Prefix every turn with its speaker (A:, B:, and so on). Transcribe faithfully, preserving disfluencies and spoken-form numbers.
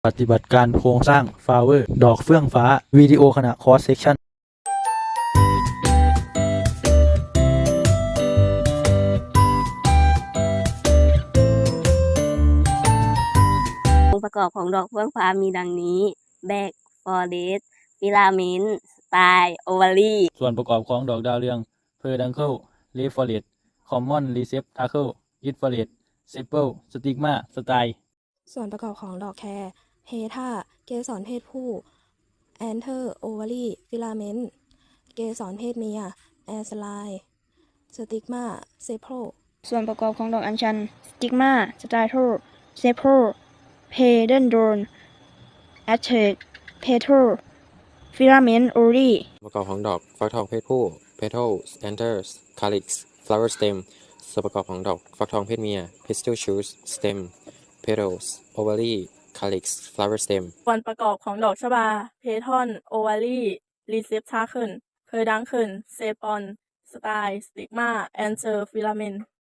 A: ปฏิบัติการโครงสร้างฟลาเวอร์ดอกเฟื่องฟ้าวิดีโอขณะคอร์สเซกชัน
B: องค์ประกอบของดอกเฟื่องฟ้ามีดังนี้ แบก ฟอเรสต์ ฟิลาเมนต์ สไตล์ โอวารี
A: ส่วนประกอบของดอกดาวเรืองเพอร์ดังเคิลเลฟอเรตคอมมอนรีเซปทาเคิลอิทฟอเรตเซเปิลสติกมาสไตล์
C: ส่วนประกอบของดอกแครเฮธาเกสรเพศผู้แอนเทอร์โอวารีฟิลาเมนต์เกสรเพศเมียแอสไลสติกมาเซโพร
D: ส่วนประกอบของดอกอัญชัน สติกมา สไตโทเซโพรเพเดนโดนแอชเชกเพโทรฟิลาเมนต์โอรี
E: ประกอบของดอกฟักทองเพศผู้ petals anthers calyx flower stem ส่วนประกอบของดอกฟักทองเพศเมีย pistil shoots stem petals ovary calyx flower stem
F: ส่วนประกอบของดอกชบา เพทอน โอวารี รีเซปทาเคิล เพอร์ดังเคิล เซปอน สไตล์ สติกมา แอนเจอร์ ฟิลาเมนต์